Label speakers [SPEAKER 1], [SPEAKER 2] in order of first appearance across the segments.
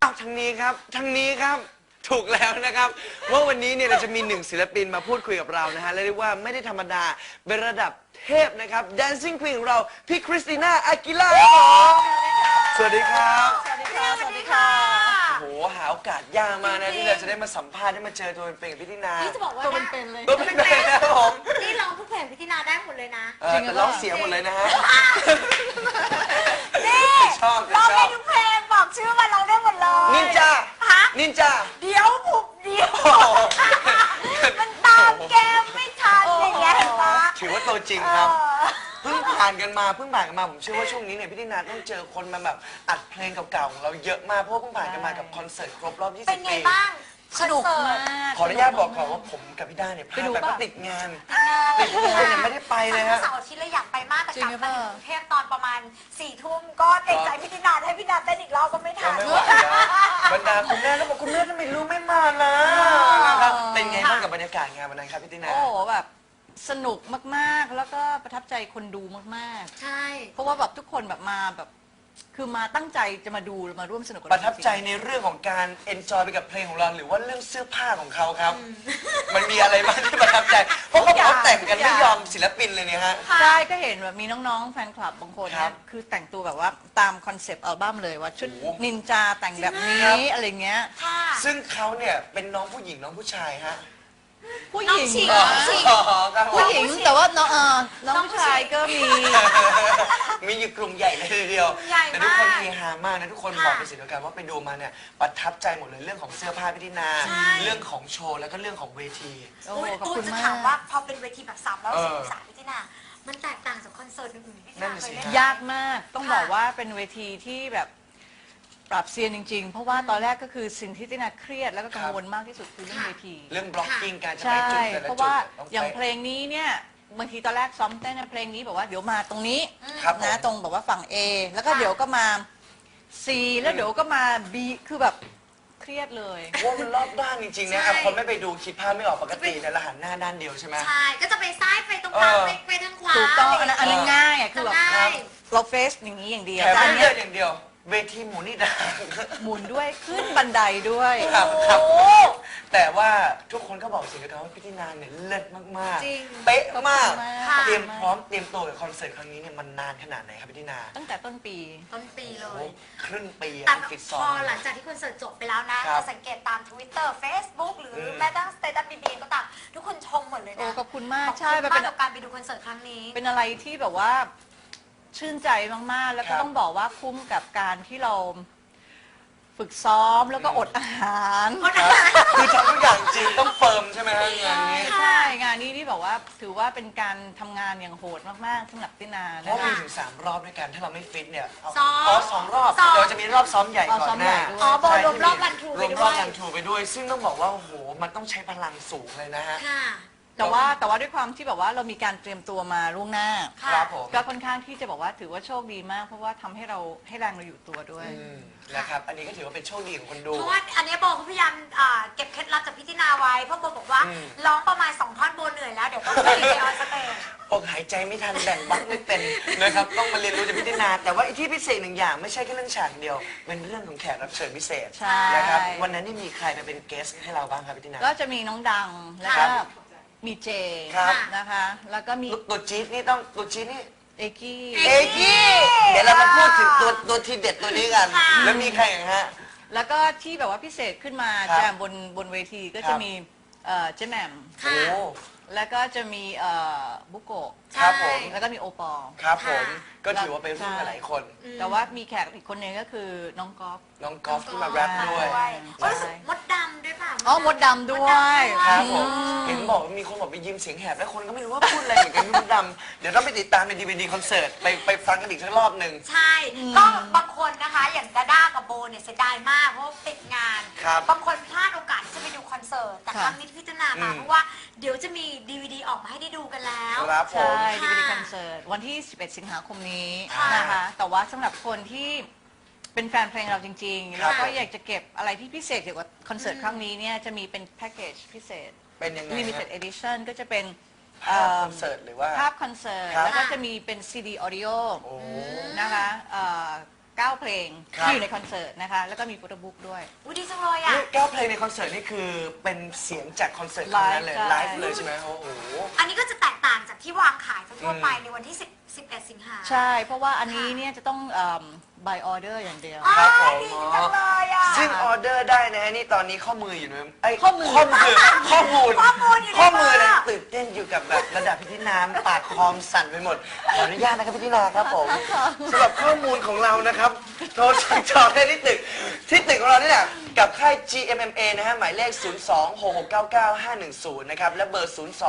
[SPEAKER 1] เอาทางนี้ครับทางนี้ครับถูกแล้วนะครับว่าวันนี้เนี่ยเราจะมีหนึ่งศิลปินมาพูดคุยกับเรานะฮะและเรียกว่าไม่ได้ธรรมดาเป็นระดับเทพนะครับ Dancing Queen ของเราพี่คริสติน่าอากิล่าสวัสดีครับ
[SPEAKER 2] สวัสดีค่ะ สวัสดีค่ะ
[SPEAKER 1] โอ้โหหาโอกาสยากมานะที่เราจะได้มาสัมภาษณ์ได้มาเจอตัวเป็นๆกับพี่ตินา
[SPEAKER 2] นี่จะบอกว่า
[SPEAKER 3] ตัวเป็นๆเลย
[SPEAKER 1] ตัวเป็นๆนะครับผม
[SPEAKER 2] นี่ร้องทุกเพลงพี่ตินาได้หมดเลยนะ
[SPEAKER 1] แต่ร้องเสียงหมดเลยนะฮะ
[SPEAKER 2] นี่
[SPEAKER 1] ชอบ
[SPEAKER 2] ร้อง
[SPEAKER 1] ช
[SPEAKER 2] ได้
[SPEAKER 1] อบ
[SPEAKER 2] ทุกเพลงบอกชื่อมาร้องได้หมดเลย
[SPEAKER 1] นินจา
[SPEAKER 2] ฮะ
[SPEAKER 1] นินจา
[SPEAKER 2] เดี๋ยวบุบเดี๋ยวมันตามเกมไม่ทันอย่างเงี้ยเห็นปะ
[SPEAKER 1] ถือว่าตัวจริงครับ เพิ่งผ่านกันมาผมเชื่อว่าช่วงนี้เนี่ยพี่ตินาต้องเจอคนมาแบบอัดเพลงเก่าๆของเราเยอะมากเพราะว่าเพิ่งผ่านกันมากับคอนเสิร์ตครบรอบ 20 ปี
[SPEAKER 2] เป็นไงบ้าง
[SPEAKER 3] สนุกมาก
[SPEAKER 1] ขออนุญาตบอกก่อนว่าผมกับพี่ด้าเนี่ยพลาดไปเพราะติดงานเนี่ยไม่ได้ไปเลยฮะ
[SPEAKER 2] เสาร์อาทิตย์เลยอยากไปมากแต่
[SPEAKER 3] จริ
[SPEAKER 2] ก
[SPEAKER 3] ง
[SPEAKER 2] ลับ
[SPEAKER 3] หรือเป
[SPEAKER 2] มา
[SPEAKER 3] ล่า
[SPEAKER 2] ถึงกรุงเทพตอนประมาณ4 ทุ่มก็เกรงใจพี่ตินาให้พี่ตินาเต้นอีกรอบก็ไม่ทั
[SPEAKER 1] ก็
[SPEAKER 2] น
[SPEAKER 1] ไม่ไหวนะบรรดาคุณแม่แล้วบอกคุณแม่ทำไมลูกไม่มานะนะครับเป็นไงบ้างกับบรรยากาศงานวันนั้นครับพี่ตินา
[SPEAKER 3] โอ้โหแบบสนุกมากๆ แล้วก็ประทับใจคนดูมาก
[SPEAKER 2] ใช่
[SPEAKER 3] ๆ เพราะว่าแบบทุกคนแบบมาแบบคือมาตั้งใจจะมาดูมาร่วมสนุกกับ
[SPEAKER 1] ป
[SPEAKER 3] เรา
[SPEAKER 1] ระทับใจในเรื่องของการเอนจอยไปกับเพลงของเราหรือว่าเรื่องเสื้อผ้าของเขาครับ มันมีอะไรบ้างที่ประทับใจ เพราะเขาบอกว่าแต่งกันไม่ยอมศิลปินเลยเนี่ยฮะ
[SPEAKER 3] ใช่ก็เห็นแบบมีน้องๆแฟนคลับบางคน
[SPEAKER 1] ครั
[SPEAKER 3] เนี่ย
[SPEAKER 1] บ
[SPEAKER 3] คือแต่งตัวแบบว่าตามคอนเซปต์อัลบั้มเลยว่าชุด
[SPEAKER 1] โอ้โห
[SPEAKER 3] นินจาแต่งแบบนี้
[SPEAKER 1] ครับ
[SPEAKER 3] อะไรเงี้ย
[SPEAKER 2] ค่ะ
[SPEAKER 1] ซึ่งเขาเนี่ยเป็นน้องผู้หญิงน้องผู้ชายฮะ
[SPEAKER 3] ผู้ห
[SPEAKER 2] น้อง
[SPEAKER 3] ญิง
[SPEAKER 2] ฉีก
[SPEAKER 3] เหรอ
[SPEAKER 1] อ๋อครับผม
[SPEAKER 3] ผู้หญิงแต่ว่าน้องน้องผู้ชายก็มี
[SPEAKER 1] มีอยู่กลุ่มใหญ่เลยทีเดียว
[SPEAKER 2] ใหญ่มาก
[SPEAKER 1] แต่ทุกคนเฮฮามากนะทุกคน
[SPEAKER 2] ค่ะ
[SPEAKER 1] บอกเป็นเสียงเดียวกันว่าไปดูมาเนี่ยประทับใจหมดเลยเรื่องของเสื้อผ้าพิธีนา
[SPEAKER 2] ใช่
[SPEAKER 1] เรื่องของโชว์แล้วก็เรื่องของเวที
[SPEAKER 3] โอ้โหขอบ
[SPEAKER 2] ตู
[SPEAKER 3] คุ
[SPEAKER 2] น
[SPEAKER 3] ณ
[SPEAKER 2] จะ
[SPEAKER 3] มา
[SPEAKER 2] ถามว่าก พอเป็นเวทีแบบ360 องศาพี่ตินามันแตกต่างจากคอนเสิร์ตอื่นๆที่พี่ตินาเคยเล่น
[SPEAKER 3] ยากมากต้องบอกว่าเป็นเวทีที่แบบปรับเซียนจริงๆ เพราะว่าตอนแรกก็คือสิ่งที่ตินาเครียดแล้วก็กังวลมากที่สุดคือเรื่องเวที
[SPEAKER 1] เรื่องบล็อกกิ้งการจะไป
[SPEAKER 3] ใช่
[SPEAKER 1] จุดแต่ละ
[SPEAKER 3] เพราะ
[SPEAKER 1] จุด
[SPEAKER 3] ว่า
[SPEAKER 1] ต้อง
[SPEAKER 3] อย่าง
[SPEAKER 1] ไป
[SPEAKER 3] เพลงนี้เนี่ยบางทีตอนแรกซ้อมเต้นนะเพลงนี้บอกว่าเดี๋ยวมาตรงนี้
[SPEAKER 1] ครับผม
[SPEAKER 3] นะตรงแบบว่าฝั่ง A แล้วก็เดี๋ยวก็มา C แล้วเดี๋ยวก็มา B คือแบบเครียดเลย
[SPEAKER 1] ว่ามันรอบด้านจริงๆนะ
[SPEAKER 2] ใช่
[SPEAKER 1] คนไม่ไปดูคิดภาพไม่ออกปกติแต่ละหันหน้าด้านเดียวใช่ไหม
[SPEAKER 2] ใช่ ก็จะไปซ้ายไปตรงกลางไปทางขวา
[SPEAKER 3] ถูกต้องอันนั้นง่ายอ่ะคือแบบ
[SPEAKER 2] ง่าย
[SPEAKER 3] เราเฟซอย่างนี้อย่างเดียว
[SPEAKER 1] แถม
[SPEAKER 3] แต่อั
[SPEAKER 1] ไม่
[SPEAKER 3] น
[SPEAKER 1] เลื
[SPEAKER 3] เนี้
[SPEAKER 1] อย กอย่างเดียว เวทีหมุนนี่ดัง
[SPEAKER 3] หมุนด้วยขึ้นบันไดด้วย
[SPEAKER 1] ครับครับ
[SPEAKER 2] โอ้
[SPEAKER 1] แต่ว่าทุกคนก็บอกเสิ่งเดียวกันว่าพิธีนาเนี่ยเลิศมาก
[SPEAKER 2] จริง
[SPEAKER 1] ๆ เป๊ะมาก
[SPEAKER 2] ค่ะ
[SPEAKER 1] เตรียมพร้อมเตรียมตัวกับคอนเสิร์ตครั้งนี้เนี่ยมันนานขนาดไหนครับพิธีนา
[SPEAKER 3] ตั้งแต่ต้นปี
[SPEAKER 2] ต้นปีเล
[SPEAKER 1] โอ้
[SPEAKER 2] ย
[SPEAKER 1] ครึ่งปี
[SPEAKER 2] แต่
[SPEAKER 1] ฟิต
[SPEAKER 2] พ
[SPEAKER 1] ซ้อ
[SPEAKER 2] อ
[SPEAKER 1] ม
[SPEAKER 2] หลังจากที่คอนเสิร์ตจบไปแล้วนะ
[SPEAKER 1] ครับ
[SPEAKER 2] จะสังเกตตาม Twitter Facebook หรืออ
[SPEAKER 1] ม
[SPEAKER 2] แม้กระทั่งสเตตัสบีก็ตามทุกคนชมหมดเลย
[SPEAKER 3] โอ้
[SPEAKER 2] นะ
[SPEAKER 3] ขอบคุณมาก
[SPEAKER 2] ขอบ
[SPEAKER 3] ใช่
[SPEAKER 2] คุณ
[SPEAKER 3] มัน
[SPEAKER 2] มา
[SPEAKER 3] เป็
[SPEAKER 2] ก
[SPEAKER 3] น
[SPEAKER 2] กับการไปดูคอนเสิร์ตครั้งนี้
[SPEAKER 3] เป็นอะไรที่แบบว่าชื่นใจมากๆ แล้ว
[SPEAKER 1] ค
[SPEAKER 3] ก็
[SPEAKER 1] รับ
[SPEAKER 3] ต้องบอกว่าคุ้มกับการที่เราฝึกซ้อมแล้วก็อดอาหาร
[SPEAKER 1] ครับคือทำทุกอย่างจริงต้องเฟิร์มใช่ไหมฮะงานนี้
[SPEAKER 3] ใช่งานนี้ที่บอกว่าถือว่าเป็นการทำงานอย่างโหดมากๆสำหรับตินา
[SPEAKER 1] เพ
[SPEAKER 3] นะ
[SPEAKER 1] ราะมี
[SPEAKER 3] คะ
[SPEAKER 1] ถึง3 รอบด้วยกันถ้าเราไม่ฟิตเนี่ยเอา
[SPEAKER 2] ซ้อม
[SPEAKER 1] อ๋อสองรอบ
[SPEAKER 2] ซ้อม
[SPEAKER 1] เดี๋ยวจะมีรอบซ้อมใหญ่ก่อนหน้า
[SPEAKER 3] อ๋อ
[SPEAKER 2] โบ
[SPEAKER 1] ใช่
[SPEAKER 2] รวมรอบรันทรู
[SPEAKER 1] ร
[SPEAKER 2] ไป
[SPEAKER 1] วม
[SPEAKER 2] ด้
[SPEAKER 1] ร
[SPEAKER 2] ว
[SPEAKER 1] อบ
[SPEAKER 2] ย
[SPEAKER 1] รันทรูไปด้วย ซึ่งต้องบอกว่าโอ้โหมันต้องใช้พลังสูงเลยนะฮะ
[SPEAKER 2] ค่ะ
[SPEAKER 3] แต่ว่าด้วยความที่แบบว่าเรามีการเตรียมตัวมาล่วงหน้า
[SPEAKER 2] ค่ะ
[SPEAKER 1] ครับผม
[SPEAKER 3] ก็ค่อนข้างที่จะบอกว่าถือว่าโชคดีมาก เพราะว่าทำให้เราให้แรงเราอยู่ตัวด้วย
[SPEAKER 1] นะครับอันนี้ก็ถือว่าเป็นโชคดีของคนดู
[SPEAKER 2] เพราะว่าอันนี้โบก็พยายามเก็บเคล็ดลับจากพี่ตินาไว้เพราะโบบอกว่า
[SPEAKER 1] อืม
[SPEAKER 2] ร้องประมาณ2 ท่อนโบเหนื่อยแล้วเดี๋ยวต้องไปออนสเตจ
[SPEAKER 1] อกหายใจไม่ทันแบ่งบักไม่เป็นนะครับต้องมาเรียนรู้จากพิธีนาแต่ว่าไอ้ที่พิเศษหนึ่งอย่างไม่ใช่แค่เรื่องฉากเดียว เป็นเรื่องของแขกรับเชิญพิเศษ
[SPEAKER 3] ใช่
[SPEAKER 1] นะครับวันนั้นนี่มีใครไปเป็นเกสให้เราบ้างครับพิธีนา
[SPEAKER 3] ก็จะมีน้องดังแล้ว
[SPEAKER 1] ครั
[SPEAKER 3] ก็
[SPEAKER 1] บ
[SPEAKER 3] มีเจ
[SPEAKER 1] ครับ
[SPEAKER 3] นะคะ แล้วก็มี
[SPEAKER 1] ตัวจี๊ดนี่ต้องตัวจี๊ดนี่
[SPEAKER 3] เอกี้
[SPEAKER 1] เอกี้เดี๋ยวเรามาพูดถึงตัวทีเด็ดตัวนี้กัน
[SPEAKER 2] ค่ะ
[SPEAKER 1] แล้วมีใครอย่างฮะ
[SPEAKER 3] แล้วก็ที่แบบว่าพิเศษขึ้นมา
[SPEAKER 1] ครับ
[SPEAKER 3] แจมบนเวทีก็
[SPEAKER 1] ครั
[SPEAKER 3] จะ
[SPEAKER 1] บ
[SPEAKER 3] มีเจ๊แหม่ม
[SPEAKER 2] ค่ะ
[SPEAKER 1] โอ้
[SPEAKER 3] แล้วก็จะมีบุโกะ
[SPEAKER 1] ครับผม
[SPEAKER 3] แล้วก็มีโอปอล
[SPEAKER 1] ครับผม
[SPEAKER 2] ค่ะ
[SPEAKER 1] ก็ถือว่าไปร่วมกันหลายคน
[SPEAKER 3] แต่ว่ามีแขกอีกคนหนึงก็คือน้องก๊อฟ
[SPEAKER 1] น้องกอล์ฟที่มาแรปด้วย
[SPEAKER 2] ก็รู้สึกมดดำด้วยป่ะ
[SPEAKER 3] อ๋อมดดำด้วย
[SPEAKER 1] ครับผม
[SPEAKER 3] อืม
[SPEAKER 1] เห็นบอกว่ามีคนบอกไปยิ้มเสียงแหบแล้วคนก็ไม่รู้ว่าพูดอะไรเหมือนกันพี่มดดำเดี๋ยวต้องไปติดตามในDVD คอนเสิร์ตไปฟังกันอีกสักรอบหนึ่ง
[SPEAKER 2] ใช่ ก็บางคนนะคะอย่างดาด้ากับโบเนี่ยเสียดายมากเพราะว่าติดงาน
[SPEAKER 1] ครับ
[SPEAKER 2] บางคนพลาดโอกาสที่จะไปดูคอนเสิร์ตแต่ครั้งนี้พิจารณามาเพราะว่าเดี๋ยวจะมี DVD ออกมาให้ได้ดูกันแล้ว
[SPEAKER 1] ครับผม
[SPEAKER 3] ใช่
[SPEAKER 2] ค่ะ
[SPEAKER 3] DVD คอนเสิร์ตวันที่ 11 สิงหาคมนี้
[SPEAKER 1] ค่ะ
[SPEAKER 3] นะคะ แต่ว่าสำหรับคนที่เป็นแฟนเพลงเราจริงๆ
[SPEAKER 1] ครั
[SPEAKER 3] แล้
[SPEAKER 1] บ
[SPEAKER 3] วก็อยากจะเก็บอะไรที่พิเศษเกี่ยวกับคอนเสิร์ตครั้งนี้เนี่ยจะมีเป็นแพ็กเกจพิเศษ
[SPEAKER 1] เป็นยังไง
[SPEAKER 3] limited edition ก็จะเป็น
[SPEAKER 1] ภาพคอนเสิร์ตหรือว่า
[SPEAKER 3] ภาพคอนเสิร์ต
[SPEAKER 1] ครับ
[SPEAKER 3] แล้วก็จะมีเป็น CD audio
[SPEAKER 1] โอ้
[SPEAKER 3] นะคะ 9 เพลง
[SPEAKER 1] ครับ
[SPEAKER 3] ที่อยู่ในคอนเสิร์ตนะคะ แล้วก็มีโฟโต้บุ๊กด้วย
[SPEAKER 2] อุ้ยดีจังเลยอ่ะ
[SPEAKER 1] นี่9เพลงในคอนเสิร์ตนี่คือเป็นเสียงจากคอนเสิร์ตครั้งนั้นเลย
[SPEAKER 3] ไล
[SPEAKER 1] ไล
[SPEAKER 3] ฟ์
[SPEAKER 1] ฟ์เลยใช่ไหมโอ้โห
[SPEAKER 2] อันนี้ก็จะแตกต่างจากที่วางขายทั่วๆไปในวันที่11 สิงหา
[SPEAKER 3] ใช่ เพราะว่าอันนี้เนี่ยจะต้อง by order อย่างเดียว
[SPEAKER 2] อ๋อ
[SPEAKER 1] ครับผม
[SPEAKER 2] ดีจังเลยอ่ะ
[SPEAKER 1] ซึ่งออเดอร์ได้นะฮะนี่ตอนนี้ข้อมืออยู่นะไอ้ย
[SPEAKER 3] ข้อมือ
[SPEAKER 1] ข้อมูล
[SPEAKER 2] ข้อมูลอยู่ใน
[SPEAKER 1] ข้อมือ
[SPEAKER 2] มือ
[SPEAKER 1] นะตื่นเต้นอยู่กับแบบระดับพิธีน้ำปากคอมสั่นไปหมดขออนุญาตนะครับพิธีนาครับผมสำหรับข้อมูลของเรานะครับโทรสั่งจองได้ที่ตึกของเรานี่แหละกับค่าย GMMA นะฮะหมายเลข 026699510 นะครับและเบอร์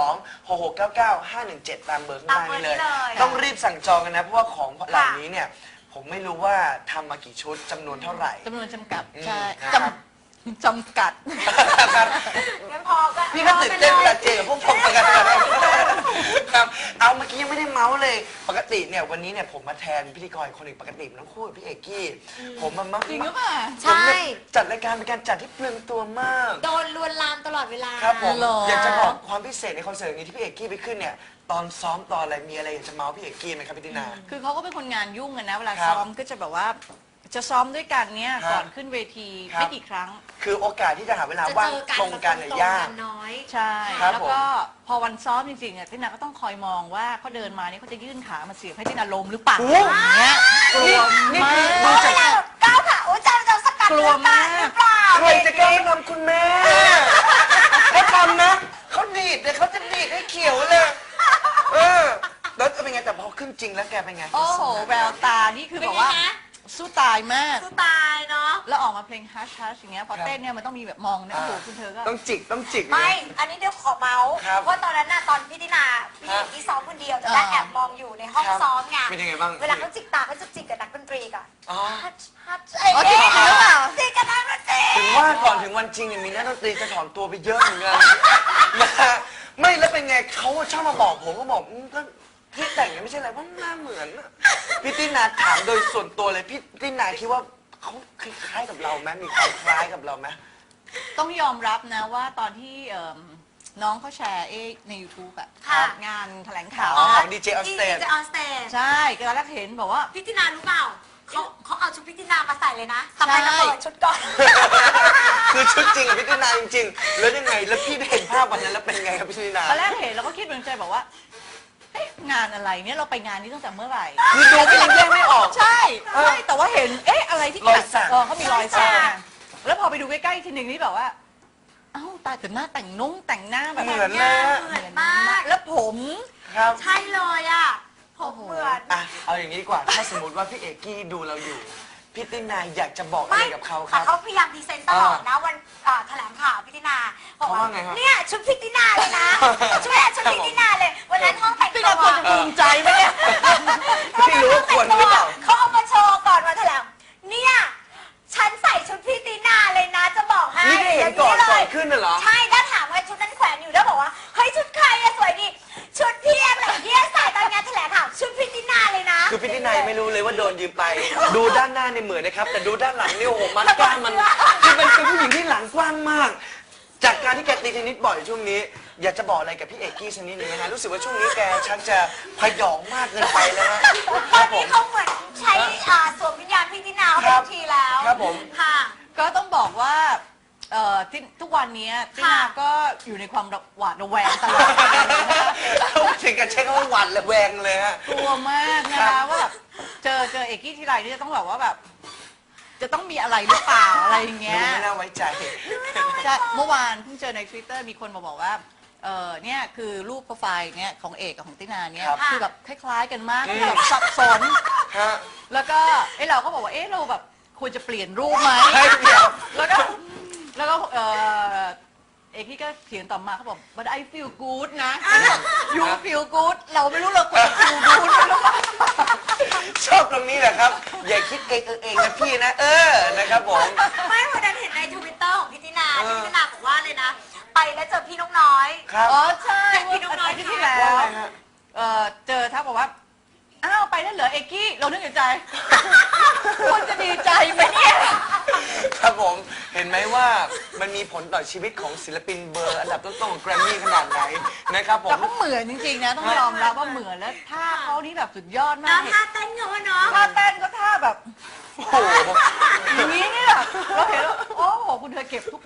[SPEAKER 1] 026699517 ตามเบอร์ข้างล่างนี้เลย
[SPEAKER 2] ตามเบอร์นี้เลย
[SPEAKER 1] ต้องรีบสั่งจองกันนะเพราะว่าของเหล่านี้เนี่ยผมไม่รู้ว่าทำมากี่ชุดจำนวนเท่าไหร่
[SPEAKER 3] จำนวนจำกัด ใช่
[SPEAKER 1] ครับ
[SPEAKER 3] จำกัด
[SPEAKER 2] งั้นพอกัน
[SPEAKER 1] พี่ก็ตื่นเต้นเวลาเจอกับพวกผมเหมือนกันครับเอาเมื่อกี้ยังไม่ได้เมาส์เลยปกติเนี่ยวันนี้เนี่ยผมมาแทนพิธีกรคนหนึ่งปกติมันต้องคู่กับพี่เอกกี้ผมมันมัก
[SPEAKER 3] จริงหรือเปล่า
[SPEAKER 2] ใช่
[SPEAKER 1] ผมเนี่ยจัดรายการเป็นการจัดที่เปลืองตัวมาก
[SPEAKER 2] โดนลวนลามตลอดเวลา
[SPEAKER 1] ครับผม
[SPEAKER 3] หรอ
[SPEAKER 1] อยากจะบอกความพิเศษในคอนเสิร์ตนี้ที่พี่เอกกี้ไปขึ้นเนี่ยตอนซ้อมตอนอะไรมีอะไรอยากจะเมาส์พี่เอกกี้ไหมครับพี่ตินา
[SPEAKER 3] คือเขาก็เป็นคนงานยุ่งกันนะ เวลา
[SPEAKER 1] ครับ
[SPEAKER 3] ซ้อมก็จะแบบว่า จะซ้อมด้วยกันเนี่ย
[SPEAKER 1] ครับ
[SPEAKER 3] ก่อนขึ้นเวที
[SPEAKER 1] ครับ
[SPEAKER 3] ไม่กี่ครั้ง
[SPEAKER 1] คือโอกาสที่จะหาเวลา
[SPEAKER 2] จะ
[SPEAKER 1] ว่าง
[SPEAKER 2] เจอกัน
[SPEAKER 1] ตรงกันเนี่ยยาก
[SPEAKER 2] น้อย
[SPEAKER 3] ใช่
[SPEAKER 1] ครับ
[SPEAKER 3] แล้วก็พอวันซ้อมจริงๆอ่ะตินาก็ต้องคอยมองว่าเขาเดินมาเนี่ยเขาจะยื่นขามาเสียบให้ตินาล้มหรือเปล่า
[SPEAKER 1] โอ้
[SPEAKER 3] อย่างเงี้ยกลัว
[SPEAKER 1] นี่
[SPEAKER 3] มา
[SPEAKER 1] คือดู
[SPEAKER 3] ก
[SPEAKER 1] จาก
[SPEAKER 2] ก้าวขาโอ้ยจะสกัด
[SPEAKER 3] กลัวมาก
[SPEAKER 2] หรือเปล่า
[SPEAKER 1] ใครจะกล้าทำคุณแม่เขาทำนะเขาดีดเลยเขาจะดีดให้เขียวเลยแล้วเป็นไงแต่พอขึ้นจริงแล้วแกเป็นไง
[SPEAKER 3] โอ้โหแววตานี่คือ
[SPEAKER 2] เป็
[SPEAKER 3] แบ
[SPEAKER 2] น
[SPEAKER 3] บ
[SPEAKER 2] ไง
[SPEAKER 3] ว่า
[SPEAKER 2] นะ
[SPEAKER 3] สู้ตายมาก
[SPEAKER 2] สู้ตายเนาะ
[SPEAKER 3] แล้วออกมาเพลงฮัชฮัชอย่างเงี้ยพอ
[SPEAKER 1] ครับ
[SPEAKER 3] เต้นเนี่ยมันต้องมีแบบมองเนี่ยโอ้โหคุณเธอก็
[SPEAKER 1] ต้องจิกต้องจิก
[SPEAKER 2] ไม่ อันนี้เดี๋ยวขอเมาส์
[SPEAKER 1] ครับ
[SPEAKER 2] ว่าตอนนั้นน่ะตอนพี่ตินาพี่
[SPEAKER 1] ครับ
[SPEAKER 2] ที่ซ้อมคนเดียวแต่ได้แอบมองอยู่ในห้อง
[SPEAKER 1] ครับ
[SPEAKER 2] ซ้อมไง
[SPEAKER 1] เป็นยังไงบ้าง
[SPEAKER 2] เวลาเขาจิกตาเขาจะจิกกับนักดนตรีก่อน
[SPEAKER 1] อ๋อ
[SPEAKER 2] ฮัทฮัท
[SPEAKER 3] อ๋อจริงหรือเปล่า
[SPEAKER 2] จิกกับนักดนตรี
[SPEAKER 1] ถึงว่าก่อนถึงวันจริงเนี่ยมีนักดนตรีจะถอนตัวไปเยอะเหมือนกันนะฮะไม่แล้วเป็นไงเขาชอบมาบอกผมก็บอกก็พี่แต่งเนี่ยไม่ใช่อะไรเพราะหน้าเหมือนอะพี่ตินาถามโดยส่วนตัวเลยพี่ตินาคิดว่าเขาคล้ายๆกับเราไหมมีความคล้ายกับเราไหม
[SPEAKER 3] ต้องยอมรับนะว่าตอนที่น้องเขาแชร์ใน YouTube อะ
[SPEAKER 2] ค่ะ
[SPEAKER 3] งานแถลงข่าว
[SPEAKER 1] อ๋อ
[SPEAKER 3] นะ
[SPEAKER 1] ของ DJ on stage
[SPEAKER 2] ดีเจออนสเตจ
[SPEAKER 3] ใช่ก็ตอนแรกเห็นบอกว่า
[SPEAKER 2] พี่ตินารู้เปล่าเขาเอาชุดพี่ตินามาใส่เลยนะต่อไป
[SPEAKER 3] ใช่
[SPEAKER 2] เราเปิดชุดก่อน
[SPEAKER 1] คือชุดจริงกับพี่ตินาจริงๆ แล้วยังไง แล้วพี่ได้เห็นภาพวันนั้นแล้วเป็นไงครับพี่ตินา
[SPEAKER 3] ตอนแรกเห็นเราก็คิดในใจบอกว่าเอ๊ะงานอะไรเนี่ยเราไปงานนี้ตั้งแต่เมื่อไหร่
[SPEAKER 1] คือดูก็ยังแยกไม่ออก
[SPEAKER 3] ใช่ใช่แต่ว่าเห็นเอ๊ะอะไรที่
[SPEAKER 1] รอยสัก
[SPEAKER 3] เขามีรอยสัก
[SPEAKER 2] รอยสัก
[SPEAKER 3] แล้วพอไปดูใกล้ๆทีหนึ่งนี่แบบว่าเอ้าตายแต่หน้าแต่งแต่งหน้าแบบ
[SPEAKER 1] เหมือนเลยอะ
[SPEAKER 2] เหมือนมาก
[SPEAKER 3] แล้วผม
[SPEAKER 1] ครับ
[SPEAKER 2] ใช่เลยอ่ะผมเหมือน
[SPEAKER 1] อ่ะ เอาอย่างนี้ดีกว่า ถ้าสมมติว่าพี่เอกกี้ดูเราอยู่ พี่ตินาอยากจะบอกอะไรกับเขาค
[SPEAKER 2] แต่
[SPEAKER 1] รับ
[SPEAKER 2] เขาพยายามพรีเซนต์ตลอดนะวันแถลงข่าวพี่ตินาบอก
[SPEAKER 1] เขาว่าไงครับ
[SPEAKER 2] เนี่ยชุดพี่ตินาเลยนะชุดพี่ตินาเลยวันนั้นห้องแต่ง
[SPEAKER 3] พี่
[SPEAKER 2] ตั
[SPEAKER 3] นาว ควรจะภูมิใจไหมเนี่ย
[SPEAKER 1] พี่รู้ว่าควรหรือเปล่า
[SPEAKER 2] เขาเอามาโชว์ก่อนมาแถลงเนี่ยฉันใส่ชุดพี่ตินาเลยนะจะบอกให้
[SPEAKER 1] นี่ได้เห็นก่อน
[SPEAKER 2] ย่าง
[SPEAKER 1] ก่อน
[SPEAKER 2] เลย
[SPEAKER 1] ขึ้นน่ะเหรอ
[SPEAKER 2] ใช่ถ้าถามว่าชุดนั้นแขวนอยู่แล้วบอกว่าเฮ้ยชุดใครอะสวยดีชุดพี่อะไรเงี้ยใส่ตอนงานแถลงข่าวชุดพี่ตินาเลยนะ
[SPEAKER 1] คือพี่ตินายังไม่รู้เลยว่าโดนยืมไป ดูด้านหน้าเนี่ยเหมือนนะครับ แต่ดูด้านหลังนี่โอ้โหมันกล้ามมันคือเป็นผู้หญิงที่หลังกว้างมาก จากการที่แกตีเทนนิสบ่อยช่วงนี้ อยากจะบอกอะไรกับพี่เอกกี้สักนิดนึงนะฮะรู้สึกว่าช่วงนี้แกชักจะพยองมากเกินไปแล้วฮะ
[SPEAKER 2] ตอนนี้เขาเหมือนใช้สวมวิญญาณพี่ตินา
[SPEAKER 1] ค
[SPEAKER 2] เป็
[SPEAKER 1] รั
[SPEAKER 2] น
[SPEAKER 1] บ
[SPEAKER 2] ทีแล้ว
[SPEAKER 1] ครับผม
[SPEAKER 2] ค่ะ
[SPEAKER 3] ก็ต้องบอกว่าที่ทุกวันนี้ตินาก็อยู่ในความหวาดระแวงตลอดเลยนะคะ
[SPEAKER 1] ถึงกับใช้คำว่าหวั่นและแวงเลยฮะ
[SPEAKER 3] กลัวมากนะคะว่าแบบเจอเอกกี้ทีไรนี่จะต้องแบบว่าแบบ จะต้องมีอะไรหรือเปล่าอะไรอย่างเงี้
[SPEAKER 1] ดู
[SPEAKER 3] ย
[SPEAKER 1] ไม่น่าไว้ใจ
[SPEAKER 3] ใช่เมื่อวานเพิ่งเจอใน Twitter มีคนมาบอกว่าเนี่ยคือรูปโปรไฟล์เนี่ยของเอกกับของตินาเนี่ย
[SPEAKER 1] ครับ
[SPEAKER 3] คือแบบคล้ายๆกันมาก
[SPEAKER 1] อืม
[SPEAKER 3] แบบสับสน
[SPEAKER 1] ฮะ
[SPEAKER 3] แล้วก็เราก็บอกว่าเราแบบควรจะเปลี่ยนรูปไหม
[SPEAKER 1] เฮ้ยเดี๋ยว
[SPEAKER 3] แล้วก็เอกที่ก็เถียงต่อมาเขาบอก but I feel good นะ you feel good เราไม่รู้เราควรจะ feel good หรือเปล่า
[SPEAKER 1] ชอบตรงนี้แหละครับ อย่าคิดเองเองนะพี่นะ นะครับผม
[SPEAKER 2] ไม่วันนั้นเห็นในทวิตเตอร์ของพี่ตินาที่พี่ตินาบอกว่าเลยนะ ไปแล้วเจอพี่นกน้อย
[SPEAKER 1] ครับ
[SPEAKER 3] อ๋อใช่
[SPEAKER 2] พี่น้องน้อย
[SPEAKER 3] อาทิตย์ที่แล้ว
[SPEAKER 1] ว่าไงฮะ
[SPEAKER 3] เจอทักบอกว่า อ้าวไปแล้วเหรอเอกกี้เรานึกในใจ ควรจะดีใจไหมเนี่ย
[SPEAKER 1] ครับผม เห็นไหมว่ามันมีผลต่อชีวิตของศิลปินเบอร์อันดับต้นๆของแกรมมี่ขนาดไหนนะครับผ
[SPEAKER 3] แต่
[SPEAKER 1] ม
[SPEAKER 3] เขาเหมือนจริงๆนะ ต้องยอมรับว่าเหมือนแล้วท่าเขานี่แบบสุดยอดมา
[SPEAKER 2] น้
[SPEAKER 3] ก
[SPEAKER 2] ท่าเต้นเขาอะเนาะ
[SPEAKER 3] ท่าเต้นก็ท่าแบบ
[SPEAKER 1] โอ้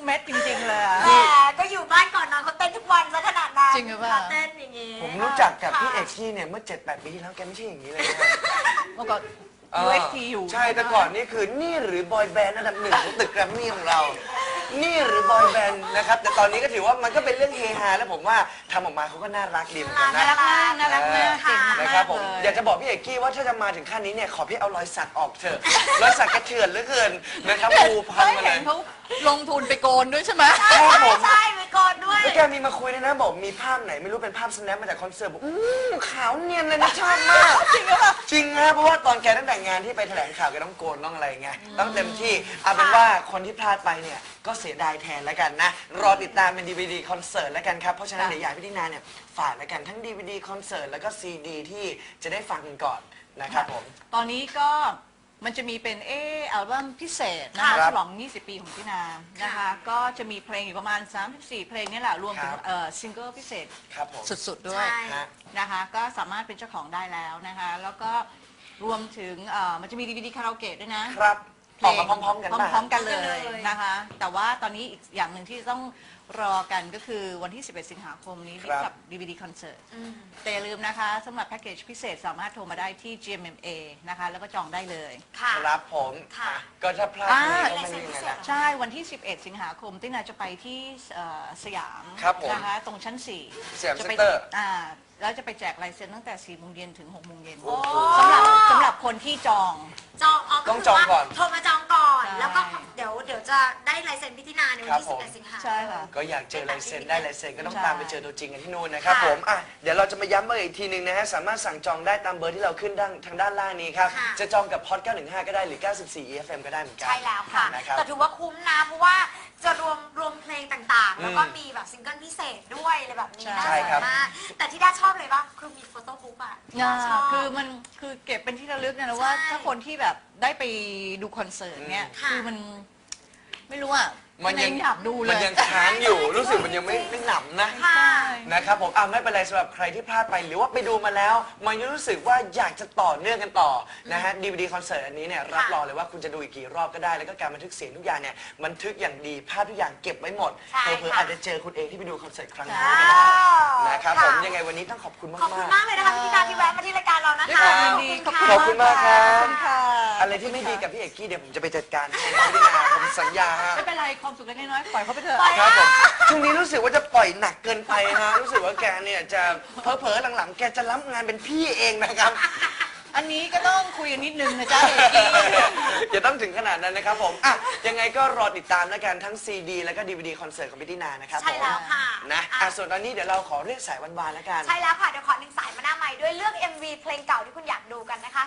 [SPEAKER 3] เม็ดจริงๆเลยอะ
[SPEAKER 2] แหมก็อยู่บ้านก่อนนอนเขาเต้นทุกวันซะขนาดนั้น
[SPEAKER 3] จริงหรือเปล่า
[SPEAKER 2] เขาเต้นอย่างงี้
[SPEAKER 1] ผมรู้จักกับพี่เอกกี้เนี่ยเมื่อ 7-8 ปีที่แล้วแกไม่ใช่อย่างนี้เลยนะ
[SPEAKER 3] เมื่อก่อน UXT อยู่
[SPEAKER 1] ใช่แต่ก่อนนี่คือนี่หรือบอยแบนด์อันดับหนึ่งของตึกแกรมมี่ของเรา นี่หรือบอยแบนด์นะครับแต่ตอนนี้ก็ถือว่ามันก็เป็นเรื่องเฮฮาแล้วผมว่าทำออกมาเขาก็น่ารักดีเหมือนกัน
[SPEAKER 3] น่า
[SPEAKER 1] นะ
[SPEAKER 3] รักมากน่ารักมากเก่งมาก
[SPEAKER 1] นะครับผม
[SPEAKER 3] เลย
[SPEAKER 1] อยากจะบอกพี่เอกกี้ว่าถ้าจะมาถึงขั้นนี้เนี่ยขอพี่เอารอยสักออกเถอะรอยสักกระเถื่อนเหลือเกินนะครับภูพัน
[SPEAKER 3] ไม่
[SPEAKER 1] มาเล
[SPEAKER 3] เห็
[SPEAKER 1] ย
[SPEAKER 3] นเขาลงทุนไปโกนด้วยใช่ไหม
[SPEAKER 1] ครับผม
[SPEAKER 2] ใช่ไปก่อนด้วย
[SPEAKER 1] แล้วแกมีมาคุยด้วยนะบอกมีภาพไหนไม่รู้เป็นภาพสแนปมาจากคอนเสิร์ตบอกขาวเนียนเลยนะชอบมาก
[SPEAKER 3] จริงหรือเปล่า
[SPEAKER 1] จริงนะเพราะว่าตอนแกตั้งแต่งานที่ไปแถลงข่าวแกต้องโกนต้องอะไรไงต้องเต็มที่เอาเป็นว่าคนที่พลาดไปเนี่ยก็เสียดายแทนแล้วกันนะรอติดตามเป็น DVD คอนเสิร์ตแล้วกันครับเพราะฉะนั้นเดี๋ยวอยากให้พี่ตินาเนี่ยฝากแล้วกันทั้ง DVD คอนเสิร์ตแล้วก็ CD ที่จะได้ฟังกันก่อนนะครับผม
[SPEAKER 3] ตอนนี้ก็มันจะมีเป็นอัลบั้มพิเศษนะคะ
[SPEAKER 1] ครับ
[SPEAKER 3] ฉลอง 20 ปีของพี่นานะคะ ก็จะมีเพลงอยู่ประมาณ 34 เพลงนี่แหละรวมถึง
[SPEAKER 1] ครับ
[SPEAKER 3] ซิงเกิลพิเศษ
[SPEAKER 1] ครับผม
[SPEAKER 3] สุดๆด้วย
[SPEAKER 2] ใช่
[SPEAKER 1] ฮะ
[SPEAKER 3] นะคะ ก็สามารถเป็นเจ้าของได้แล้วนะคะ แล้วก็รวมถึงมันจะมี DVD คาราโอเกะด้วยนะครับ
[SPEAKER 1] ออกมาพร้อมๆกันป่ะ
[SPEAKER 3] พร้อมๆกันเล
[SPEAKER 2] พร้อมกันเลย ย
[SPEAKER 3] นะคะ แต่ว่าตอนนี้อีกอย่างหนึ่งที่ต้องรอกันก็คือวันที่ 11 สิงหาคมนี้
[SPEAKER 1] ครับ
[SPEAKER 3] กับ DVD คอนเสิร์ต
[SPEAKER 2] อืม
[SPEAKER 3] แต่อย่าลืมนะคะสำหรับแพ็กเกจพิเศษสามารถโทรมาได้ที่ GMMA นะคะ แล้วก็จองได้เลย
[SPEAKER 2] ค่ะ
[SPEAKER 1] ครับผม
[SPEAKER 2] ค่ะ
[SPEAKER 1] ก็ถ้าพลาด
[SPEAKER 3] อ่า
[SPEAKER 1] นี่ก็ไม่มีไงนะ
[SPEAKER 3] ใช่วันที่ 11 สิงหาคมตินาจะไปที่สยาม
[SPEAKER 1] ครับผม
[SPEAKER 3] นะคะตรงชั้น 4
[SPEAKER 1] สยาม
[SPEAKER 3] จะไป
[SPEAKER 1] เซ็นเตอร์
[SPEAKER 3] แล้วจะไปแจกลายเซ็นตั้งแต่ 4 โมงเย็นถึง 6 โมงเย็น
[SPEAKER 1] โอ้โห
[SPEAKER 3] สำหรับคนที่จอง
[SPEAKER 2] จอง
[SPEAKER 1] ต้องจองก่อน
[SPEAKER 2] โทรมาจองก่อน
[SPEAKER 3] ใช่
[SPEAKER 2] แล้วก็เดี๋ยวจะได้ลายเซ็นพิธีนาในวันที่
[SPEAKER 1] ครับผม
[SPEAKER 2] 11 สิงหา
[SPEAKER 3] ใช่ค่ะ
[SPEAKER 1] ก็อยากเจอลายเซ็นได้ลายเซ็นก็ต้อง
[SPEAKER 3] ใช่
[SPEAKER 1] ตามไปเจอตัวจริงกันที่นู่นนะครับ
[SPEAKER 2] ค่ะ
[SPEAKER 1] ผมอ่ะเดี๋ยวเราจะมาย้ำเบอร์อีกทีหนึ่งนะฮะสามารถสั่งจองได้ตามเบอร์ที่เราขึ้นทางด้านล่างนี้ครับ
[SPEAKER 2] ค่ะ
[SPEAKER 1] จะจองกับ Hot 915 ก็ได้หรือ 94 EFM ก็ได้เหมือนกัน
[SPEAKER 2] ใช่แล้วค่ะ
[SPEAKER 1] นะครับ
[SPEAKER 2] แต่ถือว่าคุ้มนะ เพราะว่าจะรวมเพลงต่างๆ แล้วก็มีแบบซิงเกิลพิเศษด้วยอะไรแบบนี้
[SPEAKER 3] ใช่
[SPEAKER 2] น่า
[SPEAKER 1] ใช่
[SPEAKER 2] สน
[SPEAKER 1] ครับ
[SPEAKER 2] มาก แต่ที่ด้าชอบเลยว่าคือมีโฟโต้บุ๊กอ่ะชอบ
[SPEAKER 3] คือเก็บเป็นที่ระลึกนะว่า
[SPEAKER 2] ใช่
[SPEAKER 3] ถ้าคนที่แบบได้ไปดูคอนเสิร์ตเนี่ย
[SPEAKER 2] ค่ะ
[SPEAKER 3] คือมันไม่รู้อ่ะ
[SPEAKER 1] มันยัง
[SPEAKER 3] อยากดูเลย
[SPEAKER 1] มันยังค้างอยู่รู้สึกมันยังไม่หนำนะ
[SPEAKER 2] ค่ะ
[SPEAKER 1] นะครับผมไม่เป็นไรสำหรับใครที่พลาดไปหรือว่าไปดูมาแล้ว มันยังรู้สึกว่าอยากจะต่อเนื่องกันต่อนะฮะ DVD คอนเสิร์ตอันนี้เนี่ยรับรองเลยว่าคุณจะดูอีกกี่รอบก็ได้แล้วก็การบันทึกเสียงทุกอย่างเนี่ยบันทึกอย่างดีภาพทุกอย่างเก็บไว้หมด
[SPEAKER 2] ใช่
[SPEAKER 1] เผื่อๆ
[SPEAKER 2] ค่ะ
[SPEAKER 1] อาจจะเจอคุณเองที่ไปดูคอนเสิร์ตครั้งนี้
[SPEAKER 3] ใช่
[SPEAKER 1] ก็ได้นะครับผม
[SPEAKER 2] ค่ะ
[SPEAKER 1] ยังไงวันนี้ต้องขอบคุณ
[SPEAKER 2] ขอบคุณ
[SPEAKER 1] มาก
[SPEAKER 2] มากเลยนะคะพี่นาที่แวะมาที่รายการเรานะคะ
[SPEAKER 1] ครับ
[SPEAKER 3] ยินดี
[SPEAKER 1] ขอบคุณมากครับ
[SPEAKER 3] ขอบคุณค่ะ
[SPEAKER 1] ๆอะไรที่ไม่ดีกับพี่เอกกี้เดี๋ยวผมจะไปจัดการให้นะพี่นาผมสัญญาฮะ
[SPEAKER 3] ไม่เป็นไรความสุขเล็กๆน้อยๆปล่อยเขาไปเถอะ
[SPEAKER 2] ปล่อย
[SPEAKER 1] ครับผมช่วงนี้รู้สึกว่าจะปล่อยหนักเกินไปฮะรู้สึกว่าแกเนี่ยจะเผลอๆหลังๆ แกจะรับงานเป็นพี่เองนะครับ
[SPEAKER 3] อันนี้ก็ต้องคุยกันนิดนึงนะจ๊ะเอกกี้
[SPEAKER 1] อย่าต้องถึงขนาดนั้นนะครับผมยังไงก็รอติดตามแล้วกันทั้ง CD แล้วก็ DVD คอนเสิร์ตของพี่ตินานะครับ
[SPEAKER 2] ใช่แล้วค่ะ
[SPEAKER 1] นะส่วนตอนนี้เดี๋ยวเราขอเรียกสายวันวานแล้วกัน
[SPEAKER 2] ใช่แล้วค่ะ เดี๋ยวขอหนึ่งสายมาหน้าใหม่ด้วยเลือก MV เพลงเก่าที่คุณอยากดูกันนะคะ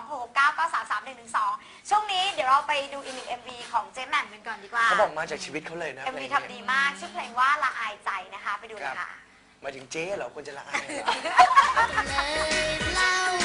[SPEAKER 2] 02699331112 ช่วงนี้เดี๋ยวเราไปดูอีกหนึ่ง MV ของเจ๊แหม่มกันก่อนดีกว่า
[SPEAKER 1] เขาบอกมาจากชีวิตเขาเลยนะ
[SPEAKER 2] MV
[SPEAKER 1] เพลง
[SPEAKER 2] ทำดีมาก ชื่อเพลงว่าละอายใจนะคะ ไปดูเลยค่ะ
[SPEAKER 1] มาถึงเจ๊เหรอควรจะละอายเหรอ
[SPEAKER 4] เล่า